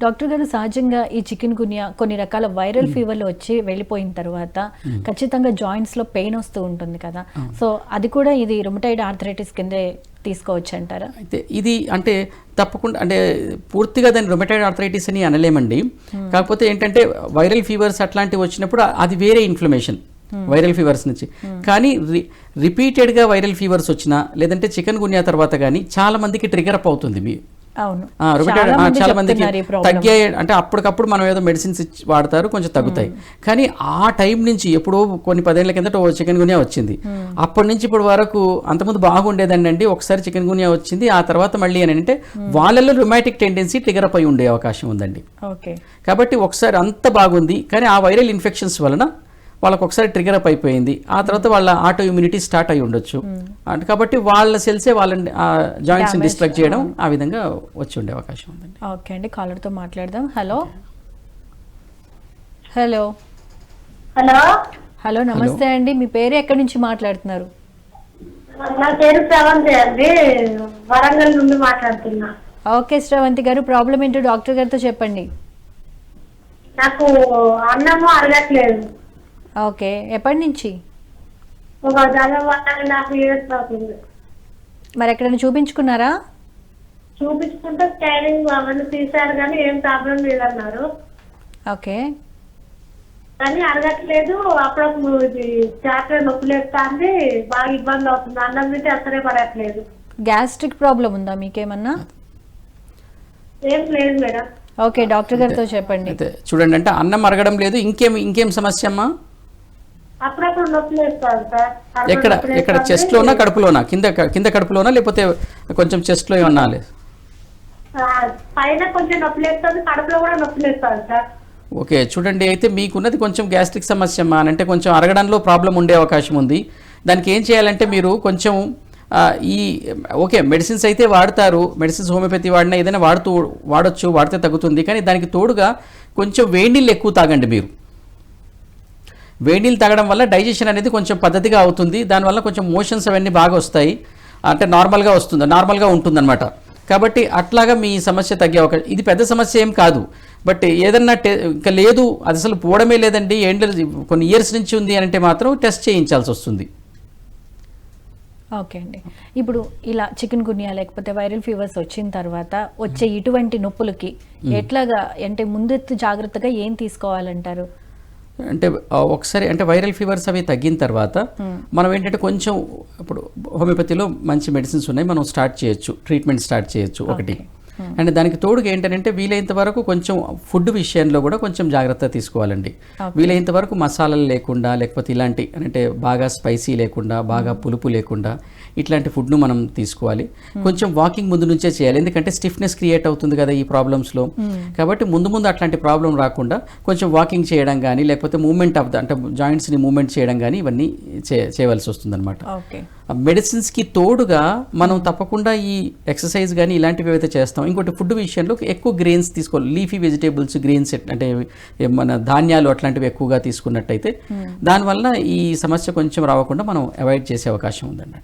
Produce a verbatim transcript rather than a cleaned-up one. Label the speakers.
Speaker 1: Doctor గారు సహజంగా ఈ చికెన్ గున్యా కొన్ని రకాల వైరల్ ఫీవర్లు వచ్చి వెళ్ళిపోయిన తర్వాత ఖచ్చితంగా జాయింట్స్ లో పెయిన్ వస్తూ ఉంటుంది కదా, సో అది కూడా ఇది రుమటైడ్ ఆర్థరైటిస్ కిందే తీసుకోవచ్చు అంటారా?
Speaker 2: అయితే ఇది అంటే తప్పకుండా అంటే పూర్తిగా దాన్ని రొమటైడ్ ఆర్థరైటిస్ అని అనలేమండి. కాకపోతే ఏంటంటే వైరల్ ఫీవర్స్ అట్లాంటివి వచ్చినప్పుడు అది వేరే ఇన్ఫ్లమేషన్ వైరల్ ఫీవర్స్ నుంచి. కానీ రి రిపీటెడ్గా వైరల్ ఫీవర్స్ వచ్చినా లేదంటే చికెన్ గున్యా తర్వాత కానీ చాలా మందికి ట్రిగర్ అప్ అవుతుంది. మీ చాలా మందికి తగ్గాయి అంటే అప్పటికప్పుడు మనం ఏదో మెడిసిన్స్ ఇచ్చి వాడతారు, కొంచెం తగ్గుతాయి. కానీ ఆ టైం నుంచి ఎప్పుడో కొన్ని పదేళ్ల కిందట చికెన్ గున్యా వచ్చింది, అప్పటి నుంచి ఇప్పటి వరకు అంతకుముందు బాగుండేదండి అండి. ఒకసారి చికెన్ గున్యా వచ్చింది, ఆ తర్వాత మళ్ళీ అని అంటే వాళ్ళలో రుమాటిక్ టెండెన్సీ ట్రిగర్ అప్ అయి ఉండే అవకాశం ఉందండి. కాబట్టి ఒకసారి అంత బాగుంది, కానీ ఆ వైరల్ ఇన్ఫెక్షన్స్ వలన వాళ్ళకి ఒకసారి ట్రిగర్ అప్ అయిపోయింది, ఆ తర్వాత వాళ్ళ ఆటో ఇమ్యూనిటీ స్టార్ట్ అయి ఉండొచ్చు. అంటే కాబట్టి వాళ్ళ సెల్సే వాళ్ళని జాయింట్స్ డిస్ట్రక్ట్ చేయడం ఆ విధంగా వచ్చి ఉండే అవకాశం ఉందండి.
Speaker 1: ఓకే అండి, కాలర్తో మాట్లాడదాం. హలో హలో
Speaker 3: హలో
Speaker 1: హలో నమస్తే అండి, మీ పేరు ఎక్కడి నుంచి మాట్లాడుతున్నారు?
Speaker 3: నా పేరు శ్రవంతి అండి, వరంగల్ నుండి మాట్లాడుతున్నా.
Speaker 1: ఓకే శ్రవంతి గారు, ప్రాబ్లం ఏంటో డాక్టర్ గారితో చెప్పండి.
Speaker 3: నాకు అన్నము అరగట్లేదు.
Speaker 1: ఓకే, ఎప్పటి నుంచి?
Speaker 3: ఒక దాదాపు నాకు ఇయర్స్ అవుతుంది.
Speaker 1: మరి ఎక్కడైనా చూపించుకున్నారా?
Speaker 3: చూపించుకుంటే స్కానింగ్ అవన్నీ తీశారు కానీ ఏం ప్రాబ్లం లేదన్నారు.
Speaker 1: ఓకే,
Speaker 3: కానీ అరగట్లేదు. అప్పుడప్పుడు ఇది చాటర్ నొప్పి లేస్తుంది, బాగా ఇబ్బంది అవుతుంది. అన్నం నుంచి అసలే పడట్లేదు.
Speaker 1: గ్యాస్ట్రిక్ ప్రాబ్లం ఉందా మీకేమన్నా?
Speaker 3: ఏం లేదు మేడం.
Speaker 1: ఓకే, డాక్టర్ గారితో చెప్పండి.
Speaker 2: చూడండి, అంటే అన్నం అరగడం లేదు, ఇంకేం ఇంకేం సమస్య అమ్మా?
Speaker 3: అప్పుడప్పుడు నొప్పి లేస్తుంది సార్.
Speaker 2: ఎక్కడ ఎక్కడ చెస్ట్ లోనా కడుపులోనా? కింద కింద కడుపులోనా లేకపోతే కొంచెం చెస్ట్ లో ఏమన్నా?
Speaker 3: పైన కొంచెం నొప్పి లేస్తుంది, కడుపులో కూడా నొప్పి లేస్తుంది సార్.
Speaker 2: ఓకే, చూడండి, అయితే మీకున్నది కొంచెం గ్యాస్ట్రిక్ సమస్య అమ్మా, అంటే కొంచెం అరగడంలో ప్రాబ్లం ఉండే అవకాశం ఉంది. దానికి ఏం చేయాలంటే మీరు కొంచెం ఈ ఓకే మెడిసిన్స్ అయితే వాడతారు, మెడిసిన్స్ హోమియోపతి వాడినా ఏదైనా వాడుతూ వాడచ్చు, వాడితే తగ్గుతుంది. కానీ దానికి తోడుగా కొంచెం వేడి నీళ్ళు ఎక్కువ తాగండి. మీరు వేడి నీళ్ళు తాగడం వల్ల డైజెషన్ అనేది కొంచెం పద్ధతిగా అవుతుంది, దానివల్ల కొంచెం మోషన్స్ అవన్నీ బాగా వస్తాయి, అంటే నార్మల్గా వస్తుంది, నార్మల్గా ఉంటుందన్నమాట. కాబట్టి అట్లాగా మీ సమస్య తగ్గే అవకాశం. ఇది పెద్ద సమస్య ఏం కాదు, బట్ ఏదన్నా టె ఇంకా లేదు అది అసలు పోవడమే లేదండి, ఏంటి కొన్ని ఇయర్స్ నుంచి ఉంది అని అంటే మాత్రం టెస్ట్ చేయించాల్సి వస్తుంది.
Speaker 1: ఓకే అండి, ఇప్పుడు ఇలా చికెన్ గున్యా లేకపోతే వైరల్ ఫీవర్స్ వచ్చిన తర్వాత వచ్చే ఇటువంటి నొప్పులకి ఎట్లాగా అంటే ముందెత్తు జాగ్రత్తగా ఏం తీసుకోవాలంటారు?
Speaker 2: అంటే ఒకసారి అంటే వైరల్ ఫీవర్స్ అవి తగ్గిన తర్వాత మనం ఏంటంటే కొంచెం ఇప్పుడు హోమియోపతిలో మంచి మెడిసిన్స్ ఉన్నాయి, మనం స్టార్ట్ చేయొచ్చు, ట్రీట్మెంట్ స్టార్ట్ చేయొచ్చు ఒకటి. అండ్ దానికి తోడుగా ఏంటంటే వీలైనంత వరకు కొంచెం ఫుడ్ విషయంలో కూడా కొంచెం జాగ్రత్త తీసుకోవాలండి. వీలైనంత వరకు మసాలాలు లేకుండా లేకపోతే ఇలాంటి అంటే బాగా స్పైసీ లేకుండా బాగా పులుపు లేకుండా ఇట్లాంటి ఫుడ్ను మనం తీసుకోవాలి. కొంచెం వాకింగ్ ముందు నుంచే చేయాలి, ఎందుకంటే స్టిఫ్నెస్ క్రియేట్ అవుతుంది కదా ఈ ప్రాబ్లమ్స్లో. కాబట్టి ముందు ముందు అట్లాంటి ప్రాబ్లం రాకుండా కొంచెం వాకింగ్ చేయడం కానీ లేకపోతే మూవ్మెంట్ ఆఫ్ ద అంటే జాయింట్స్ని మూవ్మెంట్ చేయడం కానీ ఇవన్నీ చేయవలసి వస్తుంది అనమాట. మెడిసిన్స్కి తోడుగా మనం తప్పకుండా ఈ ఎక్సర్సైజ్ కానీ ఇలాంటివి ఏవైతే చేస్తాం. ఇంకోటి ఫుడ్ విషయంలో ఎక్కువ గ్రెయిన్స్ తీసుకోవాలి, లీఫీ వెజిటేబుల్స్, గ్రెయిన్స్ అంటే మన ధాన్యాలు అట్లాంటివి ఎక్కువగా తీసుకున్నట్టయితే దానివల్ల ఈ సమస్య కొంచెం రాకుండా మనం అవాయిడ్ చేసే అవకాశం ఉందండి.